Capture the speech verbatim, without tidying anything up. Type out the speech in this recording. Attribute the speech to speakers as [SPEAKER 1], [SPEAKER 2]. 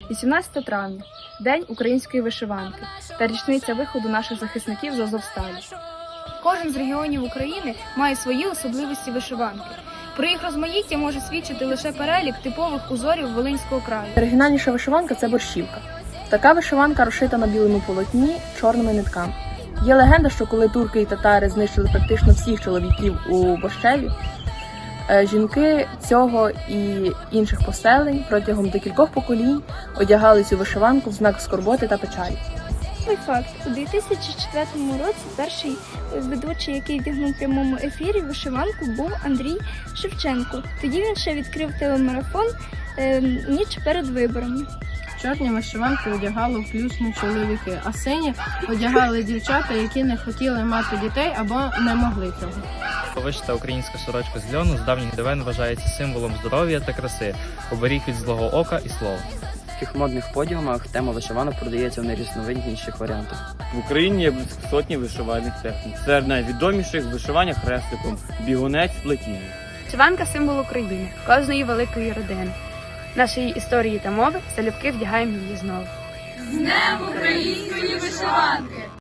[SPEAKER 1] вісімнадцяте травня – День української вишиванки та річниця виходу наших захисників з Азовсталі. Кожен з регіонів України має свої особливості вишиванки. Про їх розмаїття може свідчити лише перелік типових узорів Волинського краю.
[SPEAKER 2] Оригінальніша вишиванка – це борщівка. Така вишиванка розшита на білому полотні чорними нитками. Є легенда, що коли турки і татари знищили практично всіх чоловіків у Борщеві, жінки цього і інших поселень протягом декількох поколінь одягали цю вишиванку в знак скорботи та печалі.
[SPEAKER 3] Факт. У дві тисячі четвертому році перший ведучий, який вдягнув в прямому ефірі вишиванку, був Андрій Шевченко. Тоді він ще відкрив телемарафон е, ніч перед виборами.
[SPEAKER 4] Чорні вишиванки одягали включно чоловіки, а сині одягали дівчата, які не хотіли мати дітей або не могли цього.
[SPEAKER 5] Вишита українська сорочка з льону з давніх давен вважається символом здоров'я та краси, оберіг від злого ока і слова.
[SPEAKER 6] В таких модних подіумах тема вишиванок продається в найрізновидніших варіантах.
[SPEAKER 7] В Україні є близько сотні вишивальних технік. Серед найвідоміших вишивання хрестиком, бігунець, плетіння.
[SPEAKER 1] Вишиванка – символ України, кожної великої родини. Нашої історії та мови залюбки вдягаємо її знову.
[SPEAKER 8] З Днем української вишиванки!